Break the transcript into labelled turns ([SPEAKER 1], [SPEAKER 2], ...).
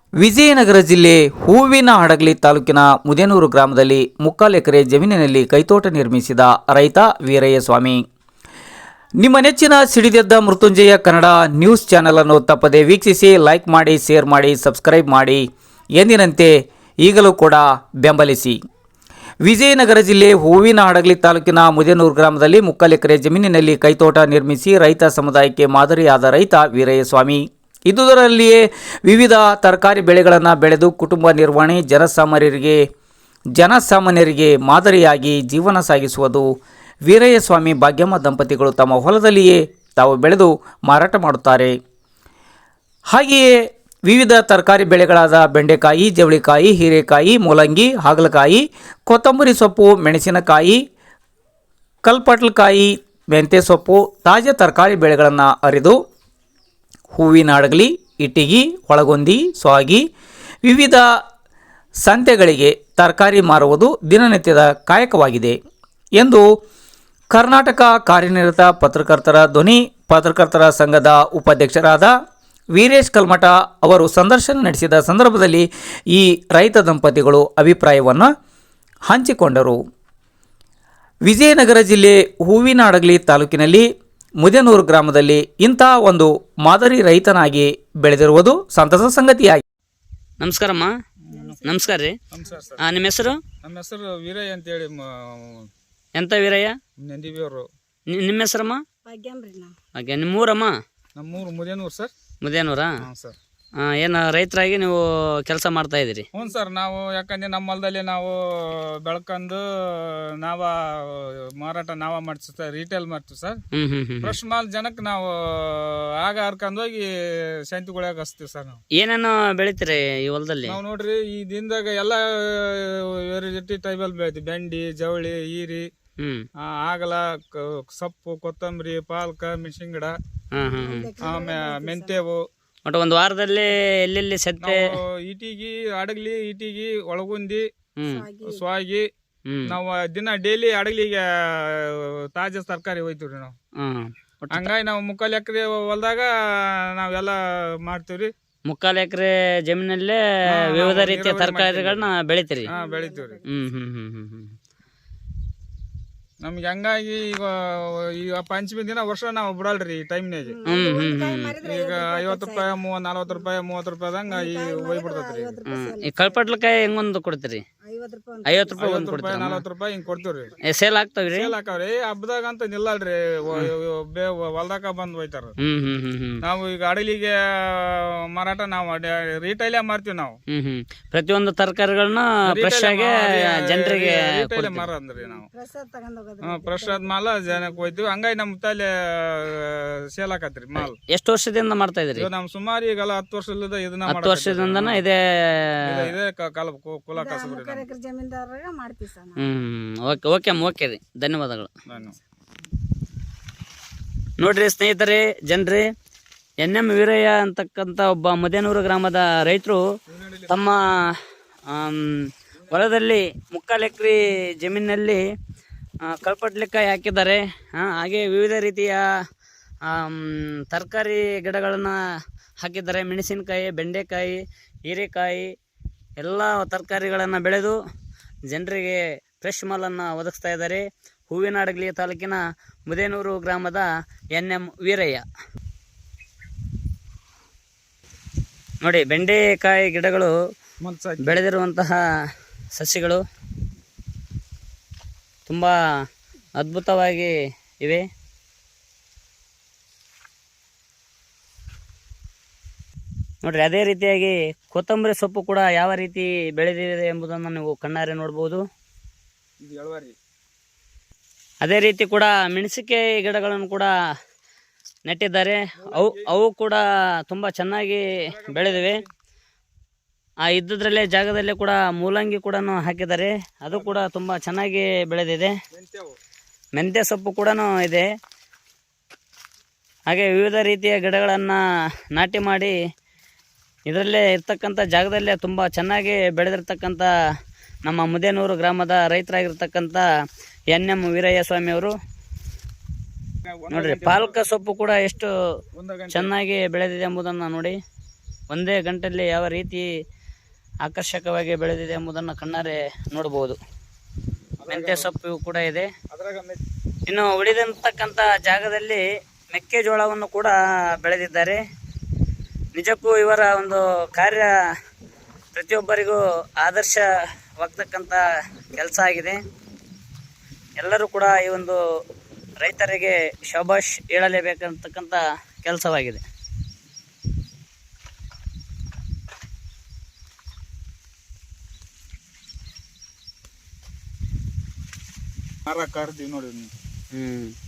[SPEAKER 1] ವಿಜಯನಗರ ಜಿಲ್ಲೆ ಹೂವಿನಹಡಗಲಿ ತಾಲೂಕಿನ ಮುದೇನೂರು ಗ್ರಾಮದಲ್ಲಿ 3 ಎಕರೆ ಜಮೀನಿನಲ್ಲಿ ಕೈತೋಟ ನಿರ್ಮಿಸಿದ ರೈತ ವೀರಯ್ಯ ಸ್ವಾಮಿ. ನಿಮ್ಮ ನೆಚ್ಚಿನ ಸಿಡಿದೆದ್ದ ಮೃತ್ಯುಂಜಯ ಕನ್ನಡ ನ್ಯೂಸ್ ಚಾನೆಲ್ ಅನ್ನು ತಪ್ಪದೆ ವೀಕ್ಷಿಸಿ, ಲೈಕ್ ಮಾಡಿ, ಶೇರ್ ಮಾಡಿ, ಸಬ್ಸ್ಕ್ರೈಬ್ ಮಾಡಿ. ಎಂದಿನಂತೆ ಈಗಲೂ ಕೂಡ ಬೆಂಬಲಿಸಿ. ವಿಜಯನಗರ ಜಿಲ್ಲೆ ಹೂವಿನಹಡಗಲಿ ತಾಲೂಕಿನ ಮುದೇನೂರು ಗ್ರಾಮದಲ್ಲಿ 3 ಎಕರೆ ಜಮೀನಿನಲ್ಲಿ ಕೈತೋಟ ನಿರ್ಮಿಸಿ ರೈತ ಸಮುದಾಯಕ್ಕೆ ಮಾದರಿಯಾದ ರೈತ ವೀರಯ್ಯ ಸ್ವಾಮಿ. ಇದುದರಲ್ಲಿಯೇ ವಿವಿಧ ತರಕಾರಿ ಬೆಳೆಗಳನ್ನು ಬೆಳೆದು ಕುಟುಂಬ ನಿರ್ವಹಣೆ, ಜನಸಾಮಾನ್ಯರಿಗೆ ಮಾದರಿಯಾಗಿ ಜೀವನ ಸಾಗಿಸುವುದು ವೀರಯ್ಯ ಸ್ವಾಮಿ ಭಾಗ್ಯಮ್ಮ ದಂಪತಿಗಳು ತಮ್ಮ ಹೊಲದಲ್ಲಿಯೇ ತಾವು ಬೆಳೆದು ಮಾರಾಟ ಮಾಡುತ್ತಾರೆ. ಹಾಗೆಯೇ ವಿವಿಧ ತರಕಾರಿ ಬೆಳೆಗಳಾದ ಬೆಂಡೆಕಾಯಿ, ಜವಳಿಕಾಯಿ, ಹೀರೆಕಾಯಿ, ಮೂಲಂಗಿ, ಹಾಗಲಕಾಯಿ, ಕೊತ್ತಂಬರಿ ಸೊಪ್ಪು, ಮೆಣಸಿನಕಾಯಿ, ಕಲ್ಪಟ್ಲಕಾಯಿ, ಮೆಂತ್ಯ ಸೊಪ್ಪು, ತಾಜಾ ತರಕಾರಿ ಬೆಳೆಗಳನ್ನು ಅರಿದು ಹೂವಿನಹಡಗಲಿ, ಇಟಗಿ, ಒಳಗೊಂದಿ, ಸ್ವಾಗಿ ವಿವಿಧ ಸಂತೆಗಳಿಗೆ ತರಕಾರಿ ಮಾರುವುದು ದಿನನಿತ್ಯದ ಕಾಯಕವಾಗಿದೆ ಎಂದು ಕರ್ನಾಟಕ ಕಾರ್ಯನಿರತ ಪತ್ರಕರ್ತರ ಧ್ವನಿ ಪತ್ರಕರ್ತರ ಸಂಘದ ಉಪಾಧ್ಯಕ್ಷರಾದ ವೀರೇಶ್ ಕಲ್ಮಠ ಅವರು ಸಂದರ್ಶನ ನಡೆಸಿದ ಸಂದರ್ಭದಲ್ಲಿ ಈ ರೈತ ದಂಪತಿಗಳು ಅಭಿಪ್ರಾಯವನ್ನು ಹಂಚಿಕೊಂಡರು. ವಿಜಯನಗರ ಜಿಲ್ಲೆ ಹೂವಿನಹಡಗಲಿ ತಾಲೂಕಿನಲ್ಲಿ ಮುದೇನೂರು ಗ್ರಾಮದಲ್ಲಿ ಇಂಥ ಒಂದು ಮಾದರಿ ರೈತನಾಗಿ ಬೆಳೆದಿರುವುದು ಸಂತಸ ಸಂಗತಿಯಾಗಿದೆ.
[SPEAKER 2] ನಮಸ್ಕಾರಮ್ಮ. ನಮಸ್ಕಾರ ರೀ. ನಿಮ್ಮ ಹೆಸರು?
[SPEAKER 3] ನಮ್ಮ ಹೆಸರು ವೀರಯ್ಯ ಅಂತೇಳಿ.
[SPEAKER 2] ಎಂತ ವೀರಯ್ಯ?
[SPEAKER 3] ನಂದಿಬಿಯವರು.
[SPEAKER 2] ನಿಮ್ಮ ಹೆಸರಮ್ಮ? ಹಾಗೆ ನಿಮ್ಮೂರಮ್ಮ?
[SPEAKER 3] ನಮ್ಮೂರು ಮುದೇನೂರು ಸರ್.
[SPEAKER 2] ಮುದೇನೂರಾ?
[SPEAKER 3] ಹಾಂ ಸರ್.
[SPEAKER 2] ಏನು ರೈತರಾಗಿ ನೀವು ಕೆಲಸ ಮಾಡ್ತಾ ಇದ್ದೀರಿ?
[SPEAKER 3] ಹ್ಞೂ ಸರ್. ನಾವು ಯಾಕಂದ್ರೆ ನಮ್ಮ ಹೊಲದಲ್ಲಿ ನಾವು ಬೆಳ್ಕೊಂಡು ನಾವ ಮಾರಾಟ ಮಾಡ್ತೀವಿ ಸರ್, ರೀಟೇಲ್ ಮಾಡ್ತೀವಿ ಸರ್. ಫ್ರೆಶ್ ಮಾಲ್ ಜನಕ್ಕೆ ನಾವು ಆಗ ಹರ್ಕೊಂಡು ಹೋಗಿ ಶಾಂತಿಗೊಳಗೆ ಹಚ್ತೀವಿ ಸರ್. ನಾವು
[SPEAKER 2] ಏನೇನು ಬೆಳಿತೀರಿ ಈ ಹೊಲದಲ್ಲಿ?
[SPEAKER 3] ನಾವು ನೋಡ್ರಿ ಈ ದಿನದಾಗ ಎಲ್ಲ ವೆರೈಟಿ ಟೈಬಲ್ ಬೆಳಿತೀವಿ. ಬೆಂಡಿ, ಜವಳಿ, ಹೀರಿ, ಆಗಲ, ಸೊಪ್ಪು, ಕೊತ್ತಂಬರಿ, ಪಾಲಕ, ಮೆಣಸಿನ ಗಿಡ, ಮೆಂತ್ಯವು.
[SPEAKER 2] ಒಟ್ಟು ಒಂದು ವಾರದಲ್ಲಿ ಎಲ್ಲೆಲ್ಲಿ ಸತ್ತೆ?
[SPEAKER 3] ಇಟಿಗಿ, ಹಡಗಲಿ, ಇಟಿಗಿ, ಒಳಗುಂದಿ, ಸ್ವಾಗಿ. ನಾವು ದಿನ ಡೈಲಿ ಹಡಗಲಿಗೆ ತಾಜಾ ತರಕಾರಿ ಹೋಯ್ತಿವ್ರಿ ನಾವು. ಹಂಗಾಗಿ ನಾವು 3 ಎಕರೆ ಹೊಲದಾಗ ನಾವೆಲ್ಲ ಮಾಡ್ತೀವ್ರಿ.
[SPEAKER 2] 3 ಎಕರೆ ಜಮೀನಲ್ಲೇ ವಿವಿಧ ರೀತಿಯ ತರಕಾರಿಗಳನ್ನ ಬೆಳಿತೀರಿ?
[SPEAKER 3] ಬೆಳಿತೀವ್ರಿ. ನಮ್ಗೆ ಹಂಗಾಗಿ ಈಗ ಪಂಚಮಿ ದಿನ ವರ್ಷ ನಾವು ಬಿಡಲ್ರಿ ಈ ಟೈಮ್ನಾಗ. ಈಗ 50 ರೂಪಾಯಿ, 40 ರೂಪಾಯಿ, 30 ರೂಪಾಯಿದಂಗ ಹೋಗ್ಬಿಡ್ತೈತ್ರಿ.
[SPEAKER 2] ಈ ಕಳ್ಪಟ್ಲಕಾಯಿ ಹೆಂಗೊಂದು ಕೊಡ್ತೀರಿ? 50 ರೂಪಾಯಿ ಒಂದು ಕೊಡ್ತೀರಿ?
[SPEAKER 3] 40 ರೂಪಾಯಿ ಹಿಂಗ್ ಕೊಡ್ತೀವ್ರಿ.
[SPEAKER 2] ಸೇಲ್ ಆಗ್ತಾವ್ರಿ?
[SPEAKER 3] ಸೇಲ್ ಹಾಕವ್ರಿ. ಹಬ್ಬದಾಗ ಅಂತ ನಿಲ್ಲಲ್ರಿ, ಹೊಲ್ದಾಕ ಬಂದ್ ಹೋಯ್ತಾರ. ನಾವು ಈಗ ಹಡಗಲಿಗೆ ಮಾರಾಟ ನಾವು ರೀಟೈಲೇ ಮಾಡ್ತೀವಿ ನಾವು.
[SPEAKER 2] ಪ್ರತಿಯೊಂದು ತರಕಾರಿಗಳನ್ನ ಫ್ರೆಶ್ ಆಗಿ ಜನರಿಗೆ
[SPEAKER 3] ಮಾರಂದ್ರಿ ನಾವು. ಫ್ರೆಶ್ ಆದ ಮಾಲ ಜನಕ್ಕೆ ಹೋಯ್ತಿವಿ. ಹಂಗಾಗಿ ನಮ್ ತಲೆ ಸೇಲ್ ಹಾಕತ್ರಿ ಮಾಲ್.
[SPEAKER 2] ಎಷ್ಟು ವರ್ಷದಿಂದ ಮಾಡ್ತಾ ಇದ್ರಿ?
[SPEAKER 3] ನಮ್ ಸುಮಾರು ಈಗಲ್ಲ 10 ವರ್ಷದಿಂದ ಇದನ್ನ
[SPEAKER 2] 10 ವರ್ಷದಿಂದನ ಇದೇ
[SPEAKER 3] ಕುಲ ಕಸಬ್ರಿ.
[SPEAKER 2] ಓಕೆ ರೀ, ಧನ್ಯವಾದಗಳು. ನೋಡ್ರಿ ಸ್ನೇಹಿತರೆ, ಜನರೇ, NM ವೀರಯ್ಯ ಅಂತಕ್ಕಂಥ ಒಬ್ಬ ಮುದೇನೂರು ಗ್ರಾಮದ ರೈತರು ತಮ್ಮ ಹೊಲದಲ್ಲಿ 3 ಎಕರೆ ಜಮೀನಿನಲ್ಲಿ ಕಲ್ಪಟ್ಲೆಕಾಯಿ ಹಾಕಿದ್ದಾರೆ. ಹಾಗೆ ವಿವಿಧ ರೀತಿಯ ತರಕಾರಿ ಗಿಡಗಳನ್ನು ಹಾಕಿದ್ದಾರೆ. ಮೆಣಸಿನಕಾಯಿ, ಬೆಂಡೆಕಾಯಿ, ಹೀರೆಕಾಯಿ ಎಲ್ಲ ತರಕಾರಿಗಳನ್ನು ಬೆಳೆದು ಜನರಿಗೆ ಫ್ರೆಶ್ ಮಾಲನ್ನು ಒದಗಿಸ್ತಾ ಇದ್ದಾರೆ. ಹೂವಿನಹಡಗಲಿ ತಾಲೂಕಿನ ಮುದೇನೂರು ಗ್ರಾಮದ NM ವೀರಯ್ಯ. ನೋಡಿ, ಬೆಂಡೆಕಾಯಿ ಗಿಡಗಳು ಬೆಳೆದಿರುವಂತಹ ಸಸ್ಯಗಳು ತುಂಬ ಅದ್ಭುತವಾಗಿ ಇವೆ. ನೋಡ್ರಿ, ಅದೇ ರೀತಿಯಾಗಿ ಕೊತ್ತಂಬರಿ ಸೊಪ್ಪು ಕೂಡ ಯಾವ ರೀತಿ ಬೆಳೆದಿದೆ ಎಂಬುದನ್ನು ನೀವು ಕಣ್ಣಾರೆ ನೋಡ್ಬೋದು. ಅದೇ ರೀತಿ ಕೂಡ ಮೆಣಸಿನಕಾಯಿ ಗಿಡಗಳನ್ನು ಕೂಡ ನೆಟ್ಟಿದ್ದಾರೆ. ಅವು ಕೂಡ ತುಂಬ ಚೆನ್ನಾಗಿ ಬೆಳೆದಿವೆ. ಇದ್ದದ್ರಲ್ಲೇ ಜಾಗದಲ್ಲೇ ಕೂಡ ಮೂಲಂಗಿ ಕೂಡ ಹಾಕಿದ್ದಾರೆ. ಅದು ಕೂಡ ತುಂಬ ಚೆನ್ನಾಗಿ ಬೆಳೆದಿದೆ. ಮೆಂತ್ಯ ಸೊಪ್ಪು ಕೂಡ ಇದೆ. ಹಾಗೆ ವಿವಿಧ ರೀತಿಯ ಗಿಡಗಳನ್ನು ನಾಟಿ ಮಾಡಿ ಇದರಲ್ಲೇ ಇರ್ತಕ್ಕಂಥ ಜಾಗದಲ್ಲೇ ತುಂಬ ಚೆನ್ನಾಗಿ ಬೆಳೆದಿರ್ತಕ್ಕಂಥ ನಮ್ಮ ಮುದೇನೂರು ಗ್ರಾಮದ ರೈತರಾಗಿರ್ತಕ್ಕಂಥ NM ವೀರಯ್ಯ ಸ್ವಾಮಿ ಅವರು ನೋಡ್ರಿ, ಪಾಲಕ ಸೊಪ್ಪು ಕೂಡ ಎಷ್ಟು ಚೆನ್ನಾಗಿ ಬೆಳೆದಿದೆ ಎಂಬುದನ್ನು ನೋಡಿ. ಒಂದೇ ಗಂಟೆಯಲ್ಲಿ ಯಾವ ರೀತಿ ಆಕರ್ಷಕವಾಗಿ ಬೆಳೆದಿದೆ ಎಂಬುದನ್ನು ಕಣ್ಣಾರೆ ನೋಡಬಹುದು. ಮೆಂತ್ಯ ಸೊಪ್ಪು ಕೂಡ ಇದೆ. ಇನ್ನು ಉಳಿದಂತಕ್ಕಂಥ ಜಾಗದಲ್ಲಿ ಮೆಕ್ಕೆಜೋಳವನ್ನು ಕೂಡ ಬೆಳೆದಿದ್ದಾರೆ. ನಿಜಕ್ಕೂ ಇವರ ಒಂದು ಕಾರ್ಯ ಪ್ರತಿಯೊಬ್ಬರಿಗೂ ಆದರ್ಶವಾಗ್ತಕ್ಕಂಥ ಕೆಲಸ ಆಗಿದೆ. ಎಲ್ಲರೂ ಕೂಡ ಈ ಒಂದು ರೈತರಿಗೆ ಶಬಾಷ್ ಹೇಳಲೇಬೇಕಂತಕ್ಕಂಥ ಕೆಲಸವಾಗಿದೆ.
[SPEAKER 3] ಮರ ಕರ್ದಿ ನೋಡಿ.